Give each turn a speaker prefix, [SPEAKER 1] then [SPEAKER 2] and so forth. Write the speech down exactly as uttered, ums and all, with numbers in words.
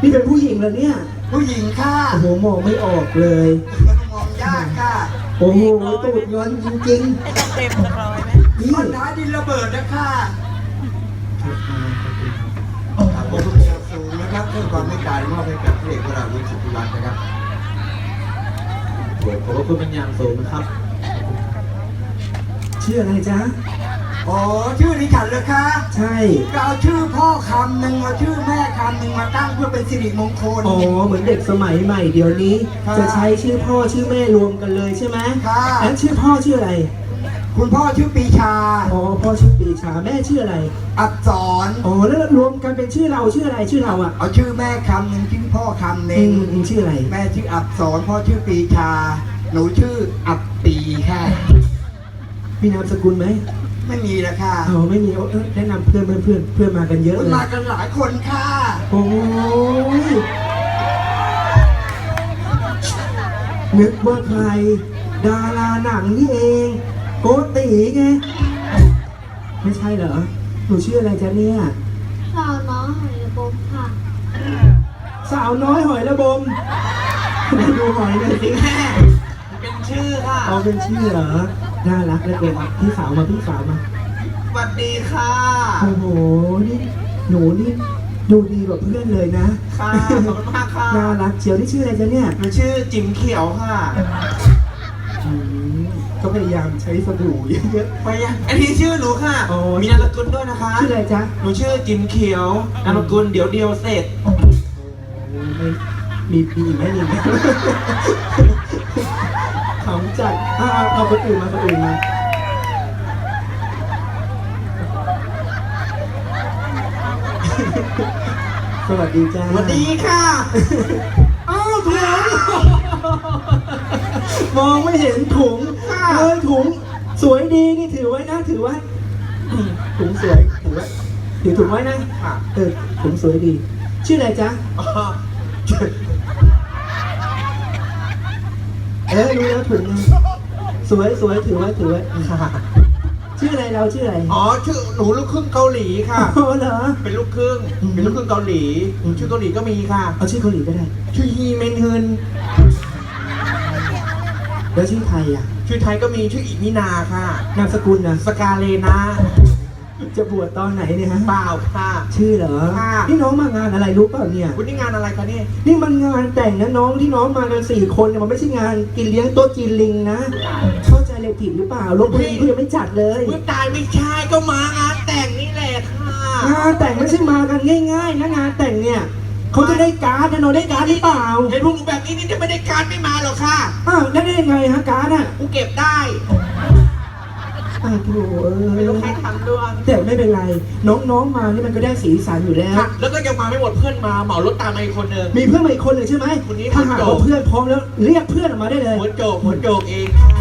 [SPEAKER 1] นี่เป็นผู้หญิงเหรอเนี่ย
[SPEAKER 2] ผู้หญิงค่ะ
[SPEAKER 1] โอ้โหมองไม่ออกเลย
[SPEAKER 2] มองยากค่ะ
[SPEAKER 1] โอ้โหตูดย้อนจริง
[SPEAKER 3] ๆเต็มสักร้อยไหม
[SPEAKER 2] นี่คนท้ายดินระเบิดนะค่ะขอบคุณครับสูงนะครับเพื่อความไม่ตายมอบให้กับพระเอกวราวุฒิสุทธิวัฒน์นะครับ
[SPEAKER 1] ขอบคุณเป็นอย่างสูงนะครับชื่ออะไรจ๊ะ
[SPEAKER 2] อ๋อชื่อดิฉันเลยค่ะ
[SPEAKER 1] ใช่
[SPEAKER 2] ก็เอาชื่อพ่อคำหนึ่งเอาชื่อแม่คำหนึ่งมาตั้งเพื่อเป็นสิริมงคล
[SPEAKER 1] อ๋อเหมือนเด็กสมัยใหม่เดี๋ยวนี้จะใช้ชื่อพ่อชื่อแม่รวมกันเลยใช่ไหม
[SPEAKER 2] ค่ะ
[SPEAKER 1] แล้วชื่อพ่อชื่ออะไร
[SPEAKER 2] คุณพ่อชื่อปีชา
[SPEAKER 1] อ๋อพ่อชื่อปีชาแม่ชื่ออะไร
[SPEAKER 2] อักษร
[SPEAKER 1] อ๋อแล้วรวมกันเป็นชื่อเราชื่ออะไรชื่อเราอ่ะ
[SPEAKER 2] เอาชื่อแม่คำหนึ่งชื่อพ่อคำหนึ่ง
[SPEAKER 1] ชื่ออะไร
[SPEAKER 2] แม่ชื่ออักษรพ่อชื่อปีชาหนูชื่ออับปีค่ะ
[SPEAKER 1] มีนามสกุลไหม
[SPEAKER 2] ไม่มีแล้วค่ะ
[SPEAKER 1] อ๋อไม่มีเออแนะนำเพื่อนเพื่อนเพื่อนเพื่อนมากันเยอะเลย
[SPEAKER 2] มากันหลายคนค่ะ
[SPEAKER 1] โอ้ยนึกว่าใครดาราหนังนี่เองโกติไงไม่ใช่เหรอหนูชื่ออะไรจ๊ะเนี่ย
[SPEAKER 4] สาวน้อยหอยระบมค่ะ
[SPEAKER 1] สาวน้อยหอยระบมดูหอยหน่อยสิแม่
[SPEAKER 3] เป็นชื่อค่ะ
[SPEAKER 1] เอาเป็นชื่อเหรอน่ารักเหลือเกินพี่สาวมาพี่สาวมา
[SPEAKER 3] สวัสดีค่ะ
[SPEAKER 1] โอ้โหนี่หนูนี่ดูดีกว่าเพื่อนเลยนะ
[SPEAKER 3] ค่ะขอบคุณมากค่ะ
[SPEAKER 1] น่ารักเชียวที่ชื่ออะไรจ๊ะเนี่ย
[SPEAKER 3] หนูชื่อจิ๋มเขียวค่ะ
[SPEAKER 1] ก็พยายามใช้สบู่เยอะ
[SPEAKER 3] ๆพยายามอันนี้ชื่อหนูค่ะมีนามสกุลด้วยนะคะ
[SPEAKER 1] ชื่ออะไรจ๊ะ
[SPEAKER 3] หนูชื่อจิ๋มเขียวนามสกุลเดี๋ยวเดียวเสร็จ
[SPEAKER 1] มีปีไหมมีไหมขำจัดเอาเอาคนอื่นมาคนอื่นมาสวัสดีจ้า
[SPEAKER 3] สวัสดีค่ะ
[SPEAKER 1] อ้าวถุงมองไม่เห็นถุงเออถุงสวยดีนี่ถือไว้นะถือไว้ถุงสวยถือไว้ถือถุงไว้นะเออถุงสวยดีชื่ออะไรจ๊ะเออรู้แล้วถุงสวยสวยถือไว้ถือไว้ชื่ออะไรเราชื่ออะไร
[SPEAKER 3] อ๋อชื่อหนูลูกครึ่งเกาหลีค่ะ
[SPEAKER 1] โอ้เหรอ
[SPEAKER 3] เป็นลูกครึ่งเป็นลูกครึ่งเกาหลีชื่อเกาหลีก็มีค่ะ
[SPEAKER 1] เอาชื่อเกาหลีก็ได้
[SPEAKER 3] ชื่อฮีเมนฮึน
[SPEAKER 1] แล้วชื่อไทยอ่ะ
[SPEAKER 3] ชื่อไทยก็มีชื่ออิมินาค่ะ
[SPEAKER 1] นามสกุลนะ
[SPEAKER 3] สกาเลนา
[SPEAKER 1] จะบวชตอนไหนเนี่ยฮะ
[SPEAKER 3] เปล่าค่ะ
[SPEAKER 1] ชื่อเหรอนี่น้องมางานอะไรรู้เปล่าเนี่ย
[SPEAKER 3] วันนี้งานอะไรคะเนี่ย
[SPEAKER 1] นี่มันงานแต่งนะน้องที่น้องมากันสี่คนเนี่ยมันไม่ใช่งานกินเลี้ยงโต๊ะจีนลิงนะเข้าใจเลยผิดหรือเปล่าลงพื้นที่ยังไม่จัดเลย
[SPEAKER 3] เมื่อตายไม่ใช่ก็มางานแต่งนี่แหละค่ะ
[SPEAKER 1] งานแต่งไม่ใช่มากันง่ายๆนะงานแต่งเนี่ยเขาจะได้การ์ดนะน้องได้การ์ดหรือเปล่า
[SPEAKER 3] เห็นพวกหนูแบบนี้นี่จะไม่ได้การ์ดไม่มาหรอกค่ะ
[SPEAKER 1] อ้าวแล้วได้ยังไงฮะการ์ดอ่ะ
[SPEAKER 3] กูเก็บได้
[SPEAKER 1] อ้าวโถ่
[SPEAKER 3] ไม่รู้ใครทำด้วย
[SPEAKER 1] แต่ไม่เป็นไรน้องๆมานี่มันก็ได้สีสันอยู่แล้ว
[SPEAKER 3] แล้วก็ยังมาไม่หมดเพื่อนมาเหมารถตามมาอีกคนนึง
[SPEAKER 1] มีเพื่อนมาอีกคนหนึ่งใช่ไหมถ้าหากว่าเพื่อนพร้อมแล้วเรียกเพื่อนออกมาได้เลย
[SPEAKER 3] หัวโจกหัวโจกเองค่ะ